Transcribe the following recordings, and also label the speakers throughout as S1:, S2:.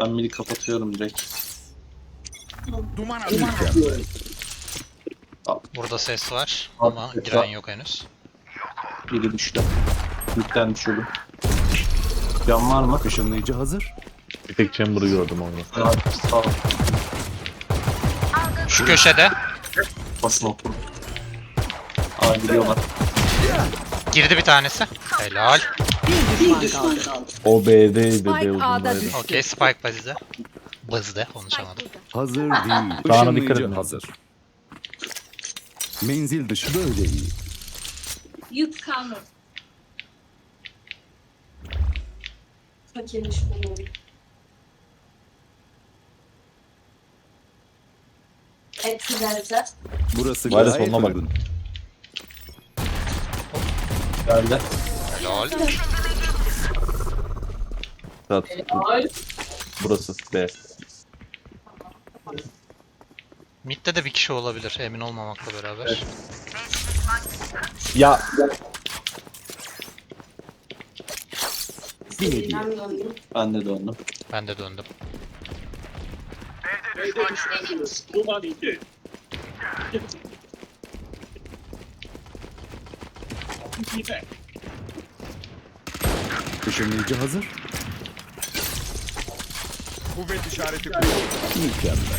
S1: Ben midi kapatıyorum direkt.
S2: Duman atıyorum.
S3: Burada ses var
S1: Abi,
S3: ama
S1: ses
S3: giren
S1: var.
S3: yok henüz.
S1: Biri düştü. Midden düşürdüm. Can var mı?
S4: Işınlayıcı hazır.
S5: Bir tek chamber'ı gördüm orada.
S1: Sağ ol.
S3: Şu köşede
S1: Basın otur. Aa gidiyorlar.
S3: girdi bir tanesi. Helal.
S6: Bir düşman kaldı.
S5: O B'deydi, B
S6: Spike A'da
S5: uzundaydı.
S6: düştü.
S3: Okey, Spike bazide. Bazide konuşamadım.
S4: Hazır değil.
S5: Sağına dikkat
S4: Işınlayıcı
S5: edin.
S4: hazır. Menzil dışı böyle iyi.
S7: Yük kalmadı. Fakirmiş bu. Etkilerse.
S4: Burası
S5: Var ya,
S4: gayet
S5: sonuna bak.
S4: uygun.
S1: Geldi.
S3: Helal.
S5: Saat. Burası B.
S3: Mid'de de bir kişi olabilir emin olmamakla beraber.
S5: Ya
S4: Bir hediye.
S1: Ben de döndüm.
S3: Ben de döndüm.
S4: Işınlayıcı hazır.
S2: Kuvvet işareti koyuyor.
S4: Mükemmel.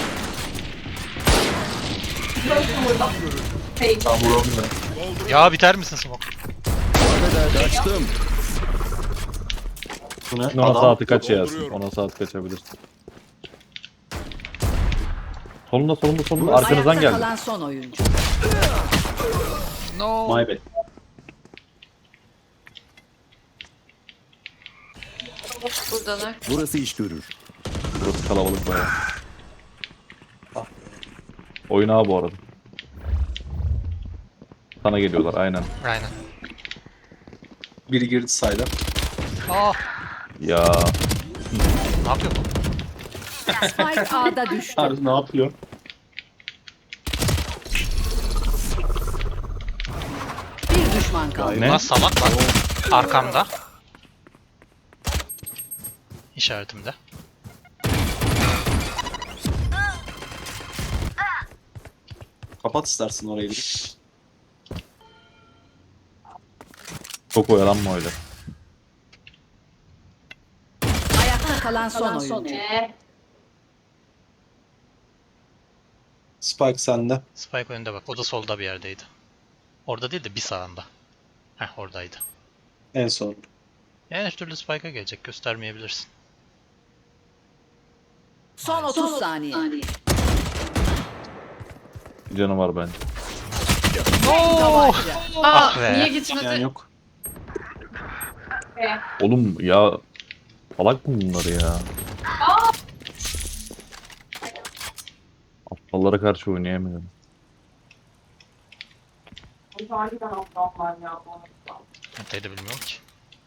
S1: Tam vuramıyorum.
S3: Ya biter misin smoke?
S4: Kaçtım.
S1: Bu ne?
S5: ona
S1: Adam.
S5: saati kaç yersin? Ona saat kaçabilirsin. Solunda. Arkanızdan
S6: Ayakta
S5: geldi.
S6: kalan son oyuncu.
S3: No.
S1: My bad.
S7: Buradalar.
S4: Burası iş görür.
S5: Burası kalabalık bayağı. Oyun ağa bu arada. Sana geliyorlar aynen.
S3: Aynen.
S1: Biri girdi sayda.
S3: Ah.
S5: Ya
S3: Ne yapıyor bu?
S6: Spike A'da düştü.
S1: Harbi ne yapıyor?
S6: Bir düşman kaldı.
S5: Ne?
S3: Lan salak bak. Arkamda. İşaretimde.
S1: Kapat istersin orayı bir.
S5: çok oyalanma öyle.
S6: Ayakta kalan son oyuncu.
S1: Spike sende.
S3: Spike önünde bak. O da solda bir yerdeydi. Orada değil de bir sağında. Heh, oradaydı.
S1: En son.
S3: Yani her türlü Spike'a gelecek. Göstermeyebilirsin.
S6: Son 30 saniye.
S5: Canı var bence.
S6: Tabanca.
S3: Ah be.
S7: Niye
S1: Yani
S7: gitmedi?
S1: yok.
S5: Oğlum ya salak mı bunlar ya? Aptallara karşı oynayamıyorum.
S3: Dedi bilmiyorum ki.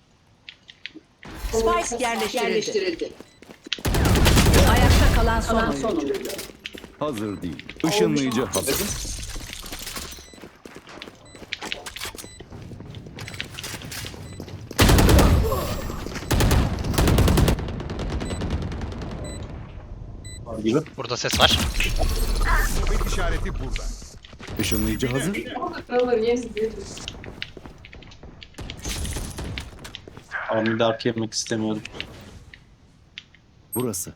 S6: Spike yerleştirildi. Ayakta kalan son oyuncu.
S4: Hazır değil. Işınlayıcı hazır.
S1: Var gibi.
S3: Burada ses var.
S2: Kuvvet işareti burada.
S4: Işınlayıcı hazır.
S1: Ama midi arka yemek istemiyorum.
S4: Burası.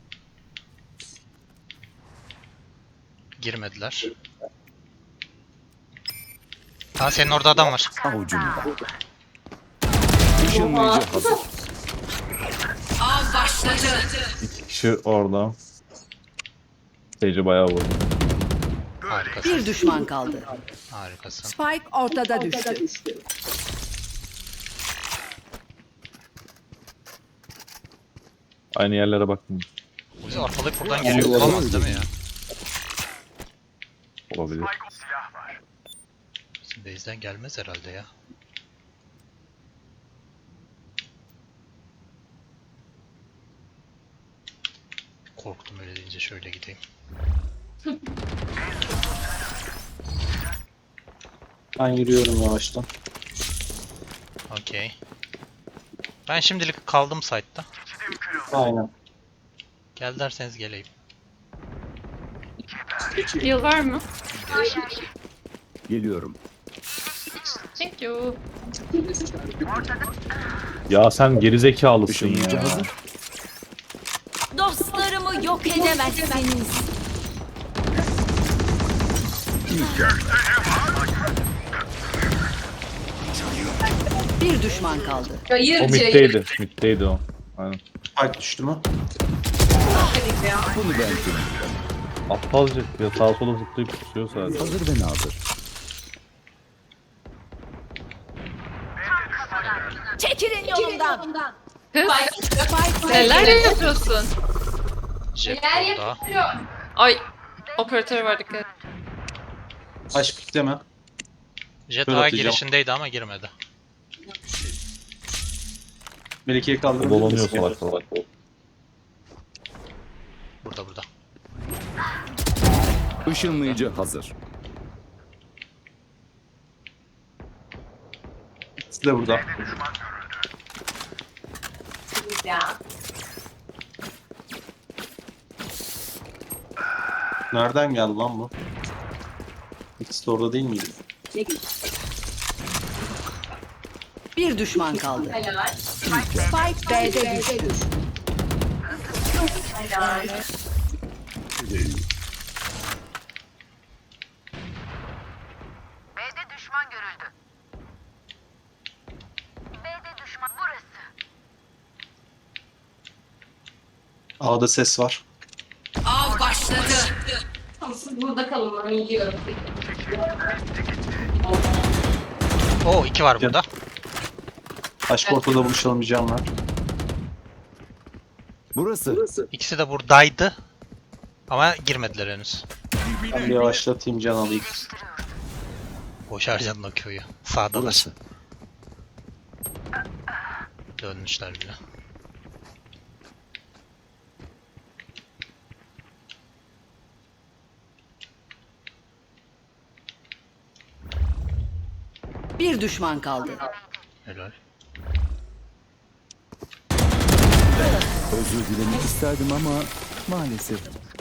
S3: Girmediler. Ha, senin orada adam var.
S4: Avucumda. Işınlayıcı hazır.
S5: İki kişi orada. Seyirci bayağı vurdu.
S3: Harikasın.
S6: Bir düşman kaldı.
S3: Harikasın.
S6: Spike ortada düştü.
S5: Aynı yerlere baktım.
S3: Bu bizi arkalayıp buradan geliyor. Olamaz değil mi ya?
S5: Olabilir.
S3: Bizim base'den gelmez herhalde ya. Korktum öyle deyince, şöyle gideyim.
S1: Ben yürüyorum yavaştan.
S3: Okey. Ben şimdilik kaldım site'da.
S1: Aynen.
S3: Gel derseniz geleyim.
S8: Yıl var mı?
S4: Geliyorum.
S8: Thank you.
S5: Ya sen gerizekalısın
S4: Işınlayıcı
S5: ya.
S4: hazır.
S6: Dostlarımı yok edemezsiniz. Bir düşman kaldı.
S5: O
S7: Hayır
S5: middeydi. Middeydi o. Aynen.
S1: Spike düştü mü?
S4: Bunu ben bilmiyorum.
S5: Aptalca ya sağa sola zıplayıp tutuyor sadece.
S4: Hazır ve nazır.
S6: Çekilin yolumdan.
S8: Kız neler yapıyorsun?
S3: Jet
S7: Neler
S3: burada.
S7: yapıyor?
S8: Ay operatör var dikkat.
S1: Aşk pikleme.
S3: Jet
S1: Şöyle
S3: A
S1: atacağım.
S3: girişindeydi ama girmedi.
S1: Melike'yi kaldırabilir
S5: Dolanıyor
S1: misin?
S5: salak salak.
S3: Burada.
S4: Işınlayıcı hazır.
S1: İkisi de burada.
S7: Ya.
S1: Nereden geldi lan bu? İkisi de orada değil miydi?
S6: Bir düşman kaldı.
S7: Helal.
S6: Spike B'de düştü.
S7: Helal.
S9: B'de düşman görüldü. B'de düşman burası.
S1: A'da ses var.
S6: Av başladı.
S7: Tamam, siz burada kalın, ben gidiyorum.
S3: Oo 2 var burada.
S1: Aşk ortada buluşalım diyeceğim var.
S4: Burası.
S3: İkisi de buradaydı. Ama girmediler henüz.
S1: Ben bir yavaşlatayım can alayım.
S3: Boş harcadın o köyü. Sağdalar.
S4: Burası.
S3: Dönmüşler bile.
S6: Bir düşman kaldı.
S3: Helal.
S4: Özür dilemek isterdim ama maalesef.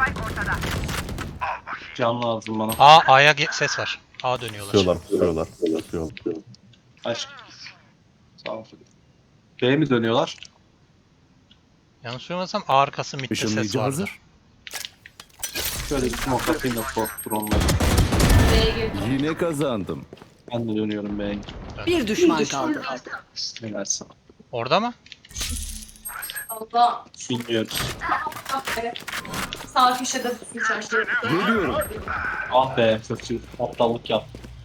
S1: Can lazım bana.
S3: A'ya ses var. A dönüyorlar.
S5: Pusuyorlar.
S1: Aşk. Sağ ol. B'ye mi dönüyorlar?
S3: Yanlış duymasam A arkası midde ses
S4: Işınlayıcı
S3: vardı.
S4: hazır.
S1: Şöyle bir smoke atayım da korktur onları.
S7: B'ye girdim.
S4: Yine kazandım.
S1: Ben de dönüyorum B'ye.
S6: Bir düşman kaldı.
S1: Ne versin?
S3: Orada mı?
S7: Allah.
S1: Bilmiyoruz.
S7: Evet. Sağ köşede tutmuş aşağı.
S4: Geliyorum.
S1: Ah be kötü. Aptallık yap.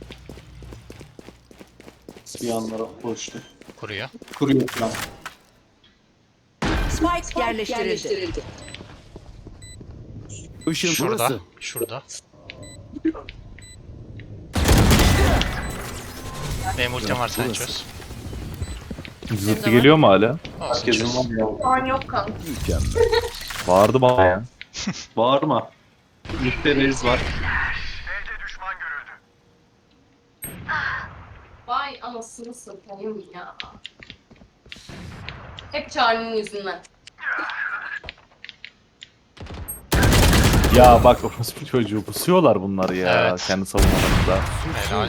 S1: Bir yanlara koştu.
S3: Kuruyor.
S1: Kuruyor falan.
S6: Spike yerleştirildi.
S4: Işın
S3: Şurada.
S4: burası.
S3: Şurada. Benim ultim var sen çöz.
S5: Zıttı geliyor mu hala?
S3: Olsun
S1: Herkesin
S3: çöz.
S1: var ya.
S7: Şu an yok kanka.
S4: Mükemmel.
S5: Bağırdı bana ya.
S1: Bağırma. Mükteriz var.
S7: Vay anasını satayım ya. Hep Charlie'nin yüzünden.
S5: Ya bak orospu çocuğu pusuyorlar bunlar ya.
S3: Evet.
S5: Kendi savunmalarında.
S3: Helal.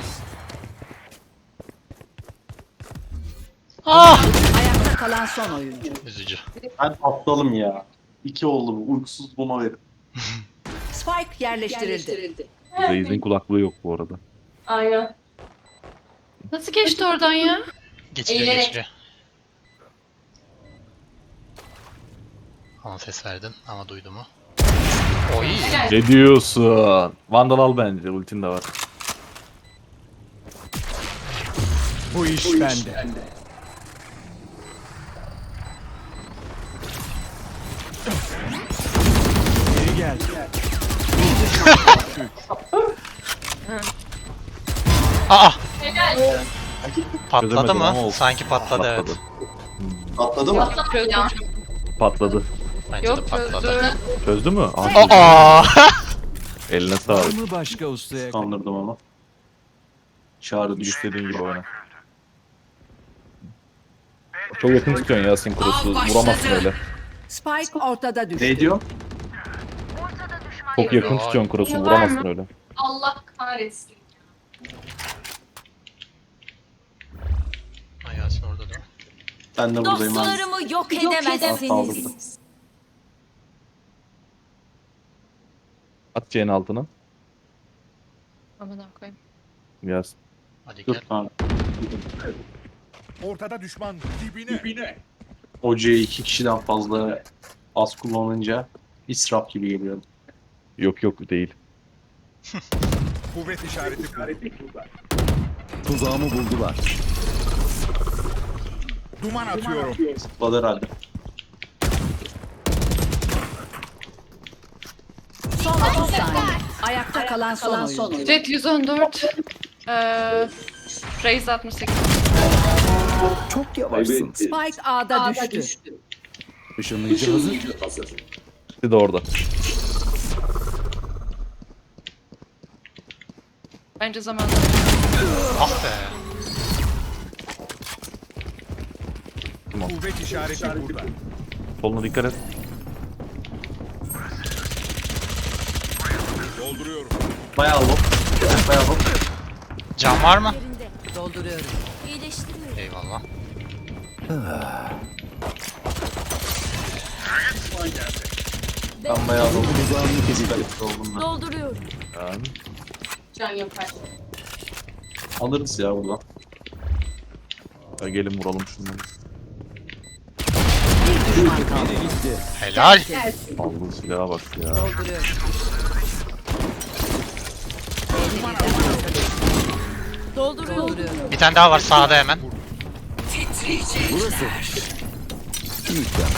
S6: Ayakta kalan son oyuncu.
S3: Üzücü.
S1: Ben aptalım ya. 2 oldu bu. Uykusuz buna verin.
S6: Spike yerleştirildi.
S5: Reis'in kulaklığı yok bu arada.
S7: Aynen.
S8: Nasıl geçti oradan ya?
S3: Geçiriyor
S7: Eğilerek.
S3: geçiriyor. Ama ses verdin ama duydu mu? Oy.
S7: Helal.
S5: Ne diyorsun? Vandal al bence. Ultin de var.
S4: Bu iş bende. Geri gel.
S3: Aa!
S7: Helal.
S3: Patladı
S5: Çözemedim ama
S3: mı?
S5: olsun.
S3: Sanki patladı evet.
S1: Atladı mı?
S7: Patladı ya.
S5: Patladı.
S3: Bence de
S8: Yok
S3: patladı.
S8: çözdü.
S5: Çözdü mü?
S3: Aa!
S4: Var
S5: Eline sağlık.
S4: mı başka ustaya?
S1: Kandırdım ama. Çağrı düştü.
S5: İstediğin gibi oyna. Çok yakın tutuyorsun ya Sinkros'u. Vuramazsın öyle.
S6: Spike ortada düştü.
S1: Ne diyor?
S5: Çok yakın
S3: Ay.
S5: tutuyorsun cross'u,
S7: Var
S5: vuramazsın
S7: mı?
S5: öyle.
S7: Allah kahretsin.
S3: Ay Yasin orada değil mi?
S1: Ben de buradayım abi.
S6: Dostlarımı yok
S1: edemezsiniz.
S5: At C'nin altına.
S8: Aman koyayım.
S5: Yaz.
S3: Hadi
S1: Dur
S3: gel.
S1: kanka.
S2: Ortada düşman dibine.
S1: Hocayı 2 kişiden fazla az kullanınca israf gibi geliyor.
S5: Yok yok değil.
S2: Kuvvet işareti burada.
S4: Tuzağımı buldular.
S2: Duman atıyorum.
S1: Zıpladı herhalde.
S6: Son 30 saniye. Ayakta kalan son oyuncu.
S8: Jet 114. Raze 68.
S4: Çok yavaşsın.
S6: Spike A'da düştü.
S4: Işınlayıcı hazır.
S5: Bir de orada.
S8: Bence zamanı.
S3: Ah be.
S2: Kuvvet işareti burada.
S5: Soluna dikkat et.
S2: Dolduruyorum.
S1: Bayağı low. Bayağı low.
S3: Can var mı?
S6: Dolduruyorum.
S3: Eyvallah.
S1: Ben bayağı low.
S4: Tuzağımı kesildi.
S1: Oldum ben.
S5: Yani.
S7: Can yapar.
S1: Alırız ya buradan.
S5: Ya gelin vuralım şunları.
S6: Bir düşman kaldı.
S4: Biri gitti.
S3: Helal.
S5: Aldığı silaha bak ya.
S6: Dolduruyorum. Dolduruyorum.
S3: Bir tane daha var sağda hemen.
S4: Burası. Mükemmel.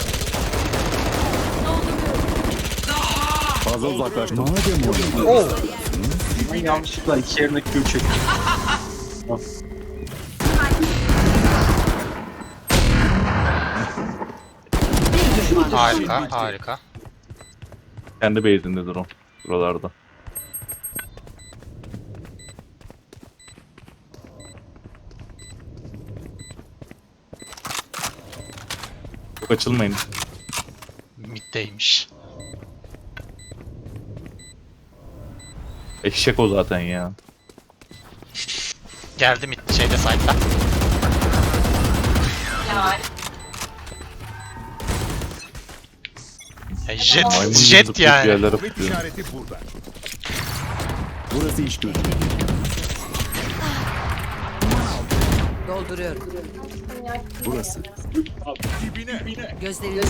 S4: Fazla uzaklaştım. Madem oyun.
S1: Ben yanlışlıkla 2 yerine Q çektim.
S6: Bir düşman kaldı.
S3: Harika, harika.
S5: Kendi base'indedir o. Buralarda. Çok açılmayın.
S3: Middeymiş.
S5: Eşek o zaten ya.
S3: Geldi mid şeyde side'da.
S7: Ya
S3: Ya jet,
S5: Maymun gibi
S3: jet
S5: zıplayıp
S3: yani.
S5: yerlere
S2: Kuvvet
S5: fırlıyor.
S2: işareti burada.
S4: Burası iş görür.
S6: Dolduruyorum.
S4: Burası.
S2: Dibine.
S6: Gözleri
S3: O
S5: Yok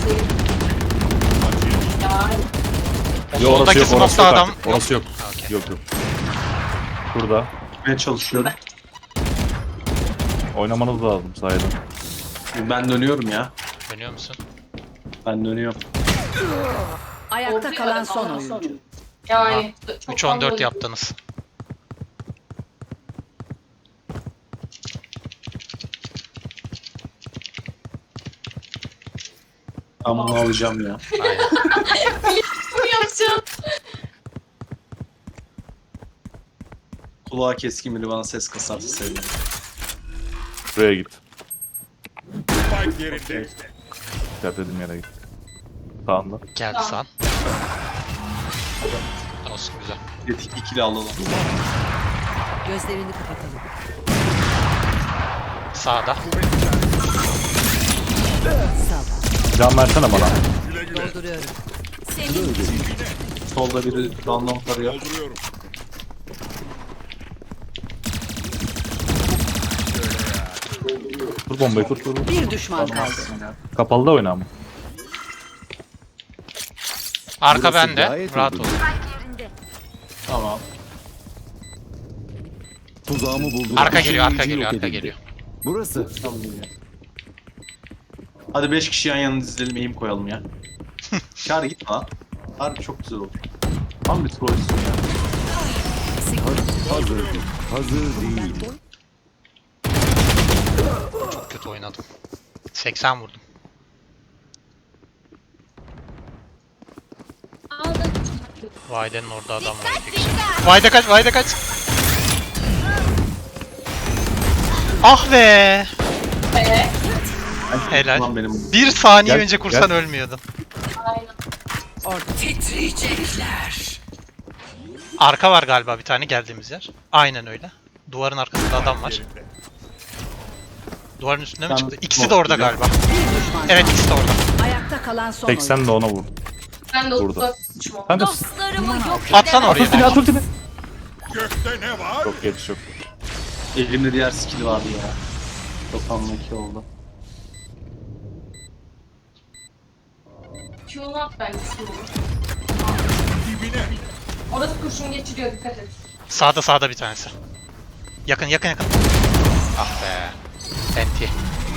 S3: soldaki
S5: orası yok, orası
S3: smoke'ta
S5: yok
S3: adam.
S5: artık. Orası yok.
S3: Okey.
S5: Yok yok. Burada.
S1: Gitmeye çalışıyorum.
S5: Oynamanız lazım sayede.
S1: Ben dönüyorum ya.
S3: Dönüyor musun?
S1: Ben dönüyorum.
S6: ayakta kalan son oyuncu.
S7: yani. çok
S3: 3-14
S7: fazla-
S3: yaptınız.
S1: Ben bunu alacağım ya.
S3: Aynen.
S7: Bunu yapacağım.
S1: Kulağa keskin biri bana ses kasarsa sevinirim.
S5: Buraya git.
S2: Spike yerinde.
S5: Dikkat edin yere git. Sağında.
S3: Geldi sağ. Olsun güzel.
S1: Yetik ikili alalım.
S6: Gözlerini kapatalım.
S3: Sağda.
S6: Sağ.
S5: Can versene bana.
S2: Güle güle.
S6: Dolduruyorum.
S1: Solda biri random tarıyor.
S2: Dolduruyorum.
S5: Kur bombayı kur kur.
S6: Bir düşman kaldı.
S5: Kapalıda oyna ama.
S3: Arka
S4: Burası
S3: bende.
S4: gayet
S3: Rahat
S4: uygun.
S3: ol.
S1: Tamam.
S4: Tuzağımı buldular.
S3: Arka geliyor, arka
S4: Işınlayıcı
S3: geliyor,
S4: yok
S3: arka
S4: edildi.
S3: geliyor.
S4: Burası.
S1: Tamam ya. Hadi 5 kişi yan yana dizilelim, eğim koyalım ya. Kar gitme lan. Harbi çok güzel olur. Tam bir trollsün ya.
S4: Hazır değil. Hazır değil.
S3: Çok kötü oynadım. 80 vurdum. Vayde'nin orada adam var. iki kişi. Vayde kaç, Vayde kaç. Ah be. Helal.
S1: Lan benim.
S3: Bir saniye
S5: Gel,
S3: önce kursan
S5: gel.
S3: ölmüyordun.
S7: Aynen.
S6: Orada. Titriyecekler.
S3: Arka var galiba bir tane geldiğimiz yer. Aynen öyle. Duvarın arkasında adam var.
S2: Yerinde.
S3: Duvarın üstüne mi
S1: Ben
S3: çıktı? İkisi de orada
S1: bakacağım.
S3: galiba. Evet ikisi de orada.
S6: Ayakta kalan son oyuncu.
S5: 80 de ona vur.
S7: Ben de
S5: Burada.
S7: 34 oldu.
S5: Kanka
S9: Dostlarımı yok
S3: Atsan
S5: at
S3: oraya.
S5: ultini at ultini.
S2: Gökte ne var?
S5: Çok geç çok.
S1: Elimde diğer skill vardı ya. 92 oldu.
S7: Q'nu at bence Q'nu.
S2: Dibine.
S7: Orası kurşun geçiriyor, dikkat et.
S3: Sağda bir tanesi. Yakın yakın yakın. Ah be. Enti.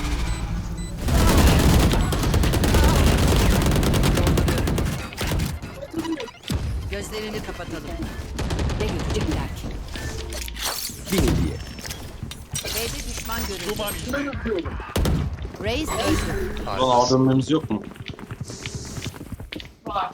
S6: Gözlerini kapatalım. Ne görecekler ki?
S4: Bir hediye.
S6: B'de düşman görüldü.
S2: Duman indi.
S6: Reis öldü.
S1: Ulan A dönmemiz yok mu?
S7: Var.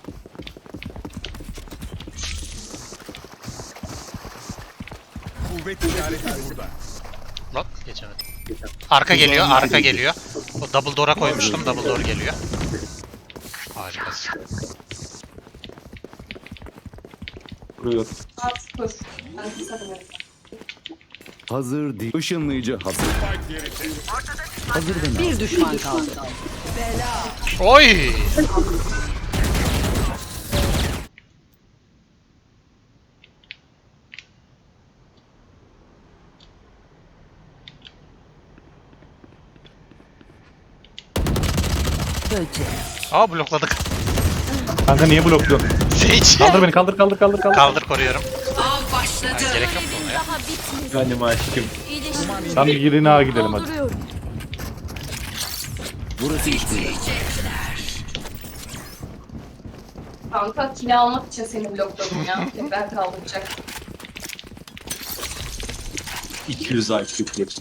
S2: Kuvvet işareti burada.
S3: Lan geçemedim. Arka geliyor. O double door'a koymuştum. Double door geliyor. Harikasın.
S1: Vuruyor.
S7: At kur. Ben kısa dönerim.
S4: Hazır değil. Işınlayıcı hazır.
S2: Spike yerinde.
S4: Hazır ve
S6: Bir düşman kaldı.
S3: Oy!
S6: Böcek.
S3: Aa blokladık.
S5: Kanka niye blokluyorsun?
S3: Sage.
S5: Kaldır beni kaldır.
S3: Kaldır koruyorum.
S6: Av başladı.
S3: Ay, gerek yok ona ya.
S9: daha bitmedi.
S1: Benim aşkım.
S5: Sen bir girini A gidelim hadi.
S4: burası işbirliği.
S7: Kanka kill almak için seni blokladım ya. Tekrar kaldıracak.
S1: 200 IQ geçti.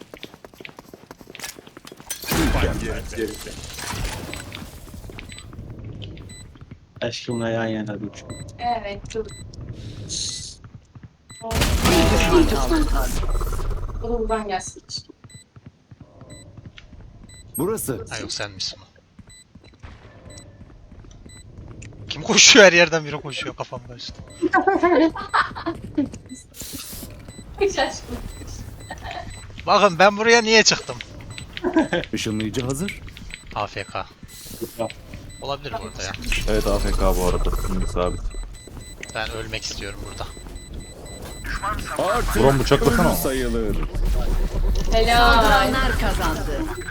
S2: Spike yerinde.
S1: Aşkımla yan yana düş.
S7: Evet, dur.
S6: Bir düşman kaldı.
S7: O da buradan gelsin.
S4: Burası.
S3: Ha yok senmişsin o. Kim koşuyor her yerden biri koşuyor kafamda üstü.
S7: Hiç aşkım.
S3: Bakın ben buraya niye çıktım?
S4: Işınlayıcı hazır.
S3: AFK. Olabilir burada ya.
S5: Evet AFK bu arada. Şimdi sabit.
S3: Ben ölmek istiyorum burada.
S4: Artık
S5: Brom bıçaklasana.
S4: ölü sayılır.
S7: Helal.
S6: Saldıranlar kazandı.